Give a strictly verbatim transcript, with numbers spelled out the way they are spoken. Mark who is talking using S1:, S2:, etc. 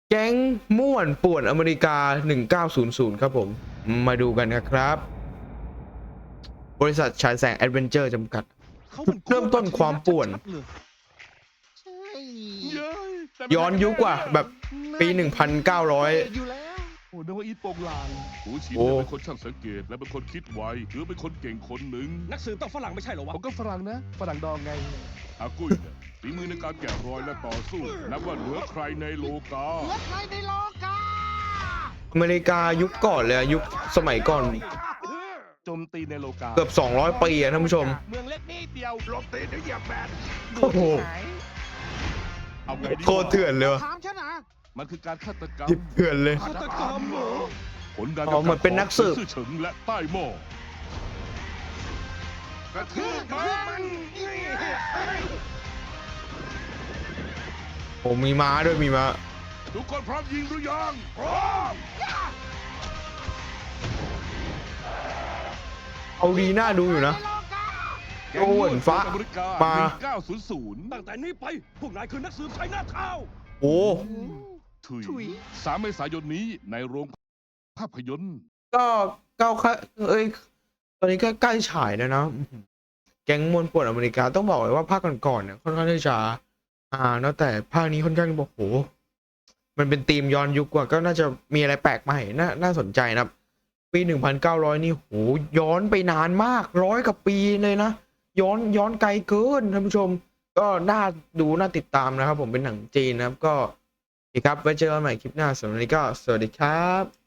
S1: แก๊งม่วนป่วนอเมริกาหนึ่งเก้าศูนย์ศูนย์ครับผมมาดูกันนะครับ บริษัทฉายแสงแอดเวนเจอร์จำกัดจุดเริ่มต้นความป่วน
S2: ใช่
S1: ย้อนยุคกว่าแบบปีหนึ่งพันเก้าร้อย
S2: อยู่แล้ว
S3: โอ้นึกว่าอีทโปงลาง
S4: หูฉีด
S1: โอ้
S4: เป็นคนช่างสังเกตและเป็นคนคิดไวถือเป็นคนเก่งคนหนึ่ง
S5: นักสืบต้องฝรั่งไม่ใช่เหรอ
S3: ผ
S5: วะ
S3: มก็ฝรั่งนะ ฝรั่งดองไง
S4: อากุ้ยเนี่ยฝีมือในการแกะรอยและต่อสู้นับว่าเหนือใครในโลกา
S2: เหลือใครในโลกา
S1: อเมริกายุคก่อนเลยอะยุคสมัยก่อน
S3: โจมตีในโลกา
S1: เกือบสองร้อยปีอะท่านผู้ชม
S3: เมืองเล็กนิดเดียวหลบตีนเดี๋ยวเหยียบแบน
S1: โอ้โห
S4: เอาไงดี
S1: โคตรเถื่อนเลยวะ
S2: ถามฉันนะ
S4: มันคือการฆาตกรรม
S1: เถื่อนเลย
S3: ฆาตกรรมเหรอ
S4: ผลการ
S1: อ๋อเหมือนเป็นนักสืบ
S4: ซื่อเฉิงและใต้หม้อกระทืบมัน
S1: ผมมีม้าด้วยมีม้า
S4: ทุกคนพร้อมยิงหรือยังพร้อม
S1: เอาดีน่าดูอยู่นะ
S4: แก๊ง
S1: โอ้เหมือนฟ้า
S4: อเมริกา
S1: มา
S4: หนึ่งเก้าศูนย์ศูนย์
S5: ตั้งแต่นี้ไป พวกนายคือนักสืบใช้หน้าเท้า
S1: โอ้
S4: ถุย
S2: ถุย
S4: สามเมษายนนี้ในโรงภาพยนตร์
S1: ก็เก้าค่ะเอ้ยตอนนี้ก็ใกล้ฉายแล้วนะแก๊งมวลป่วนอเมริกาต้องบอกเลยว่าภาคก่อนๆเนี่ยค่อนข้างที่จะอ่าเนอะแต่ภาคนี้ค่อนข้างบอกโหมันเป็นธีมย้อนยุคกว่าก็น่าจะมีอะไรแปลกใหม่น่าน่าสนใจนะครับปีหนึ่งพันเก้าร้อยนี่โหย้อนไปนานมากร้อยกว่าปีเลยนะย้อนย้อนไกลเกินท่านผู้ชม ก็น่าดูน่าติดตามนะครับผมเป็นหนังจีนนะครับก็โอเคครับไว้เจอกันใหม่คลิปหน้าสำหรับวันนี้ก็สวัสดีครับ